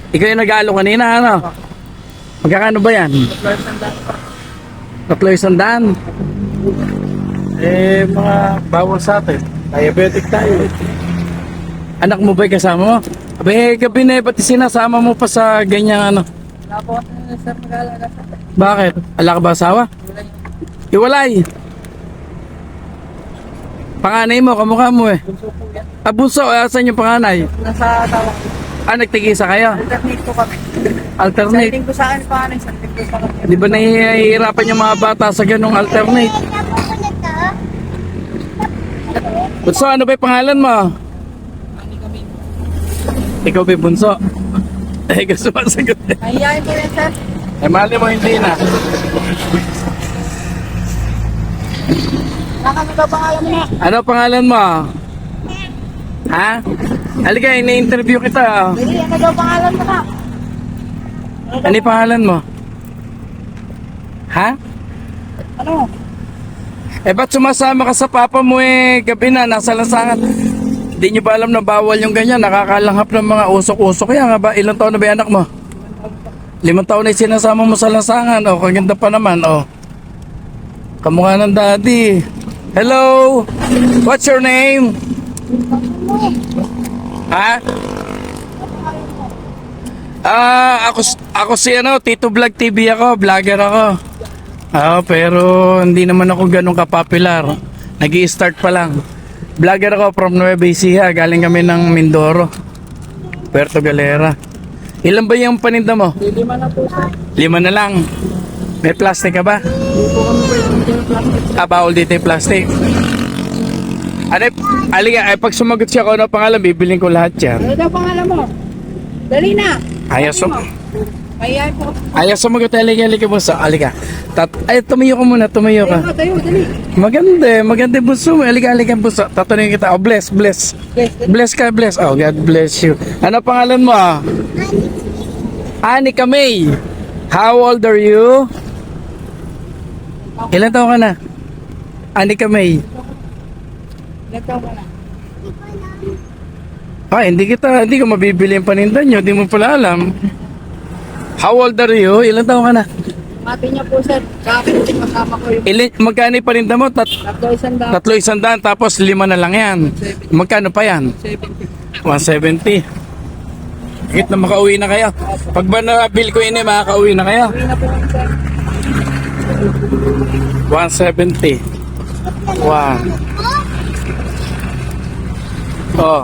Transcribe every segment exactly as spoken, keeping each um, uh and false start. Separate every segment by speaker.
Speaker 1: Ikaw yung nag-aalo kanina, ano? Magkakano ba yan? Tatlo isang daan. Eh, mga bawal sa atin. Diabetic tayo. Anak mo ba'y kasama mo? Abay, gabi na eh, ba't sinasama mo pa sa ganyang ano?
Speaker 2: Wala po kasi sir mag-aalaga sa akin.
Speaker 1: Bakit? Ala ka ba asawa?
Speaker 2: Wala yung
Speaker 1: Iwalay. Panganay mo, kamukha mo eh.
Speaker 2: bunso po yan.
Speaker 1: Ah, bunso, asan yung panganay?
Speaker 2: Nasa tawa ko.
Speaker 1: Ah, nagtigisa kayo?
Speaker 2: Alternate po kami.
Speaker 1: Alternate.
Speaker 2: Sa ko sa akin pa ano, sa ko sa kami.
Speaker 1: Di ba nahihirapan yung mga bata sa ganong alternate? Bunso, ano ba yung pangalan mo?
Speaker 2: Ani kami.
Speaker 1: Ikaw ba yung bunso? Eh, gusto masagot eh.
Speaker 2: Mahihayin po yan sir.
Speaker 1: Eh, mali mo hindi na.
Speaker 2: Nakami ba pangalan mo na?
Speaker 1: Ano pangalan mo? Ha? Halika, ini-interview kita.
Speaker 2: Dili, ano daw pangalan mo na?
Speaker 1: Ano yung pangalan mo? Ha?
Speaker 2: Ano?
Speaker 1: Eh, ba't sumasama ka sa papa mo eh? Gabi na, nasa lansangan. Hindi nyo ba alam na bawal yung ganyan? Nakakalanghap ng mga usok-usok. Kaya nga ba, ilang taon na ba yung anak mo? Limang taon na yung sinasama mo sa lansangan. O, kaganda pa naman, o. Kamukha ng daddy. Hello? What's your name? Ha? Ah, ako, ako si ano, Tito Vlog T V ako, vlogger ako. Ah, pero hindi naman ako ganun kapopular. Nag-i-start pa lang. Vlogger ako from Nueva Ecija, galing kami ng Mindoro, Puerto Galera. Ilan ba yung paninda mo?
Speaker 2: Lima na po sir.
Speaker 1: Lima na lang. May plastic ka ba?
Speaker 2: Hindi po kami pwede yung plastic.
Speaker 1: Ah, bawal dito yung plastic. Ano, aliga, ay pag sumagot siya ko ano pangalan, bibiling ko lahat yan.
Speaker 2: Ano daw pangalan mo? Dali na.
Speaker 1: Ayaw sum...
Speaker 2: Mahihayin po.
Speaker 1: Ayaw sumagot, aliga, aliga mo sa, aliga. Tat ay, tumayo ka muna, tumayo
Speaker 2: Tayo
Speaker 1: ka.
Speaker 2: nga, tayo, dali.
Speaker 1: Maganda, eh, maganda yung buso mo. Aliga, aliga yung buso. Tatanungin kita, oh, bless, bless.
Speaker 2: Yes, dali.
Speaker 1: Bless ka, bless. Oh, God bless you. Ano pangalan mo? ah? Anika May. How old are you? Ilan taon ka na? Anika May.
Speaker 2: Nagtaw ka na.
Speaker 1: Ah, hindi kita, hindi ko mabibili yung paninda nyo. Hindi mo pala alam. How old are you? Ilan taon ka na?
Speaker 2: Mati niya po sir. Kapit kasama ko yung
Speaker 1: Ilan, magkano yung paninda mo? Tat,
Speaker 2: tatlo isang daan.
Speaker 1: tatlo isang daan, tapos lima na lang yan. Magkano pa yan?
Speaker 2: seventy.
Speaker 1: one seventy. Higit na makauwi na kayo. Pag ba na-bill ko ini, makakauwi na kayo.
Speaker 2: Uwi na po kami sir.
Speaker 1: one seventy. Wow. Oh.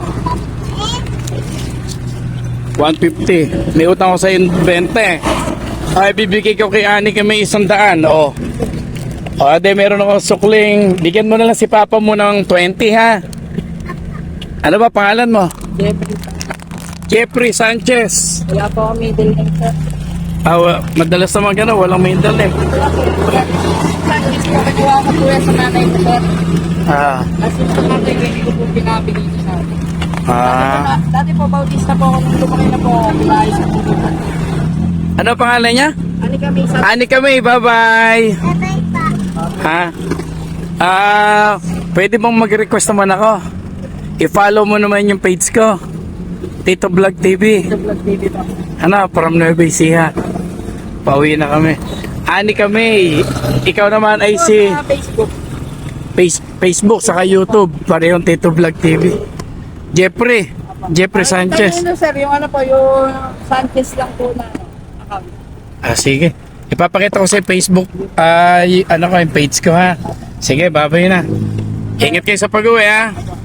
Speaker 1: one fifty. May utang ko sa twenty. Ay, bibigay ko kay Ani kami isang daan. Oh. O, ade, meron akong sukling. Bigyan mo na lang si Papa mo ng twenty, ha? Ano ba pangalan mo?
Speaker 2: Jeffrey.
Speaker 1: Jeffrey Sanchez.
Speaker 2: Wala po kami middle name sir.
Speaker 1: Ah, wa- madalas naman gano'n, walang middle name.
Speaker 2: Practice po kakuha ko po yan sa nanay ko sir.
Speaker 1: Ah,
Speaker 2: Kasi sa nanay ko hindi ko po pinabili ko sa akin.
Speaker 1: ah.
Speaker 2: Dati po bautista po ako nung lumaki na po ako. Bilahay sa pupunta.
Speaker 1: Ano pangalan niya?
Speaker 2: Ano kami sa
Speaker 1: Ani kami, bye-bye. Ha? Ah, pwede bang mag-request naman ako? I-follow mo naman yung page ko. Tito Vlog T V.
Speaker 2: vlog T V po?
Speaker 1: Ano, from Nueva Ecija. Pauwi na kami. Ani kami. Ikaw naman ay si
Speaker 2: Sa Facebook.
Speaker 1: face, Facebook saka YouTube. Parehong Tito Vlog T V. Jeffrey. Jeffrey Sanchez.
Speaker 2: Ano sir, yung ano po, yung Sanchez lang po na account.
Speaker 1: Ah, sige. Ipapakita ko sa Facebook, ay ano ko, yung page ko, ha. Sige, babay na. Ingat kayo sa pag-uwi, ha.